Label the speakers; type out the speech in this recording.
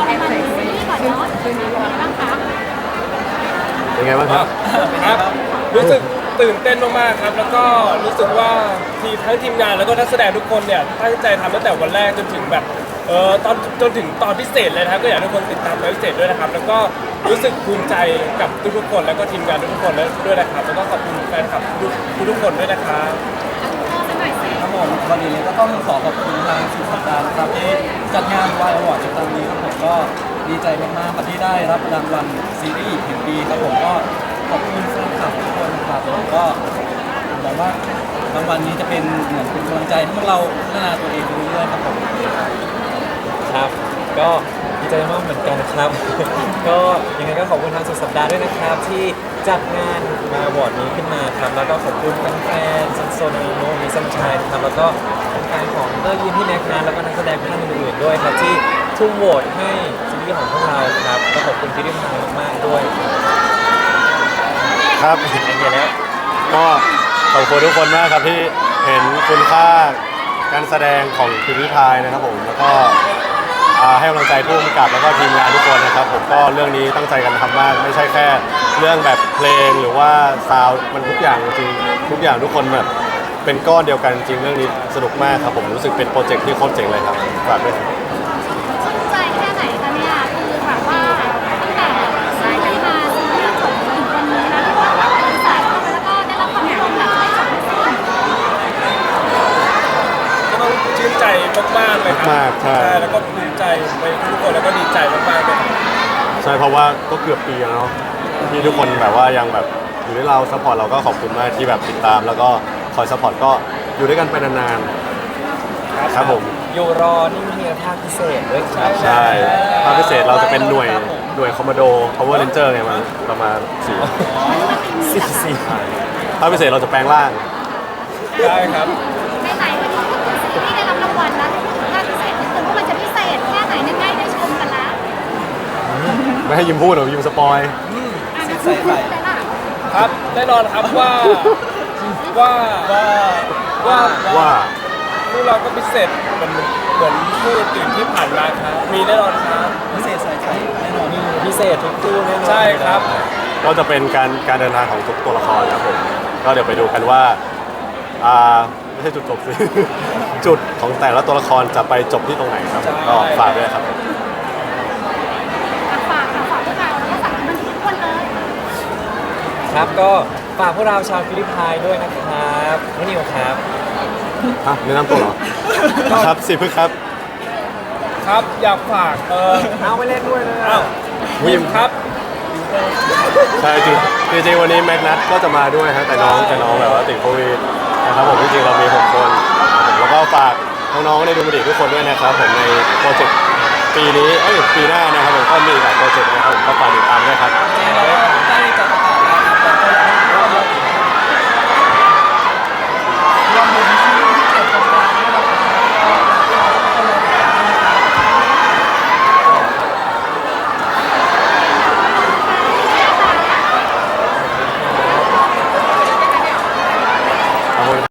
Speaker 1: เอามาดูซีรีส์ก่อนเนาะเป็นไงบ้างคะ
Speaker 2: เป็นไงบ้างครับ
Speaker 3: ครับรู้สึกตื่นเต้นมากๆครับแล้วก็รู้สึกว่าทั้งทีมงานแล้วก็นักแสดงทุกคนเนี่ยตั้งใจทำตั้งแต่วันแรกจนถึงแบบจนถึงตอนพิเศษเลยนะครับก็อยากให้ทุกคนติดตามตอนพิเศษด้วยนะครับแล้วก็รู้สึกภูมิใจกับทุกๆคนแล้วก็ทีมงานทุกๆคนด้วยนะครับแล้วก็ขอบคุณแฟนคลับทุกคนด้วยนะครับ
Speaker 1: เอาสักหน่อยสิ
Speaker 4: ครับผมวันนี้ก็ต้องขอขอบคุณทางสุดสัปดาห์นะครับที่จัดงานวายอวอร์ดในครั้งนี้ครับผมก็ดีใจมากๆครับที่ได้รับรางวัลซีรีส์แห่งปีครับผมก็ขอบคุณแฟนคลับทุกคนนะครับแล้วก็ผมหวังว่ารางวัลนี้จะเป็นเหมือนเป็นกำลังใจให้พวกเราพัฒนาตัวเองไปเรื่อยๆครับผม
Speaker 5: ครับก็ดีใจมากเหมือนกันครับ ก็ยังไงก็ขอบคุณทางสุดสัปดาห์ด้วยนะครับที่จัดงานมาบอร์ดนี้ขึ้นมาครับแล้วก็ขอบคุณแฟนๆซันโซนาโนมิซันชัยครับแล้วก็แฟนๆของเตอร์ยินที่แน็กนะแล้วก็นักแสดงท่านอื่นๆด้วยครับที่ทุ่มโหวตให้ซีรีส์ของพวกเราครับก็ขอบคุณที่ได้มามากๆด้วย
Speaker 2: ครับ
Speaker 5: อย่างเงี้ยแล้ว
Speaker 2: ก็ขอบคุณทุกคนมากครับที่เห็นคุณค่าการแสดงของพิมพ์ริพายนะครับผมแล้วก็ให้กำลังใจผู้กำกับแล้วก็ทีมงานทุกคนนะครับผมก็เรื่องนี้ตั้งใจกันทำมากไม่ใช่แค่เรื่องแบบเพลงหรือว่าซาวด์มันทุกอย่างจริงทุกอย่างทุกคนแบบเป็นก้อนเดียวกันจริงเรื่องนี้สนุกมากครับผมรู้สึกเป็นโปรเจกต์ที่โคตรเจ๋งเลยครับฝากด้วยครับ
Speaker 1: ชื่นใจแค่ไหนคะเนี่ยคือแบบว่าตั้งแต่สายกันมาซีรีส์จบถึงวันนี้นะที่ว่าเป็นสายเข้าไปแล้วก็ได้รับความนิยมแบบไม่จบไม่สิ้น
Speaker 3: ก็ต้องชื่นใจมากๆเลยครับ
Speaker 2: มากๆใช่
Speaker 3: แล้วก็ภูมิใจไปทุกคนแล้วก็ดีใจมากๆเลยครับ
Speaker 2: ใช่เพราะว่าก็เกือบปีแล้วเนาะที่ทุกคนแบบว่ายังแบบอยู่ด้วยเราซัพพอร์ตเราก็ขอบคุณมากที่แบบติดตาม แล้วก็คอยซัพพอร์ตก็อยู่ด้วยกันไปนานๆครับผม
Speaker 5: อยู่รอนี่มีภาคพิเศษด้วยครับ
Speaker 2: ใช่ภาคพิเศษเราจะเป็นหน่วยคอมมานโด Power Ranger ไงมันประมาณ
Speaker 5: สี่
Speaker 2: ภาคพิเศษเราจะแปลงร่าง
Speaker 3: ได้ครับ
Speaker 1: ไหนๆวันนี้พูดถึงซีรีส์ได้รับรางวัลแล้วพูดถึงภาคพิเศษนิดนึงว่ามันจะพิเศษแค่ไหนเนี่ยใกล้ได้ชมกันแล้ว
Speaker 2: ไม่ให้ยิมพูดหรอกยิมสปอย
Speaker 1: อ่ะนะพูดได้ล่ะ
Speaker 3: ครับแน่นอนครับว่าว่า
Speaker 2: ว่า
Speaker 3: พวกเราก็พิเศษเหมือนผู้อื่นที่ผ่านมาครับมีแน่นอนครับ
Speaker 4: พิเศษใส่ไข่แน่นอน
Speaker 5: พิเศษทุกคู่แน่นอน
Speaker 3: ใช่ครับ
Speaker 2: ก็จะเป็นการเดินทางของทุกตัวละครนะครับผมก็เดี๋ยวไปดูกันว่าไม่ใช่จุดจบสิ จุดของแต่ละตัวละครจะไปจบที่ตรงไหนครับก็ฝากด้วยครับ
Speaker 1: ฝากพวกเราแล้วก็ฝากมันทุกคนเลย
Speaker 5: ครับก็ฝากพวกเราชาวฟิลิปปินส์ด้วยนะครับน้องนิวครับ
Speaker 2: แนะนำตัวเหรอ ครับสิพึ่งครับ
Speaker 3: ครับอยากฝาก
Speaker 5: เอาไปเล่นด้วยนะ
Speaker 3: อ้าว
Speaker 2: วิม
Speaker 3: ครับ
Speaker 2: ใช่จริงวันนี้แม็กนัทก็จะมาด้วยฮะแต่น้องแบบว่าติดโควิดนะครับผมจริงๆเรามี6คนครับผมแล้วก็ฝากน้องๆในดูมันดีทุกคนด้วยนะครับผมในโปรเจกต์ปีนี้ปีหน้านะครับผมก็มีอีกหลายโปรเจกต์นะครับ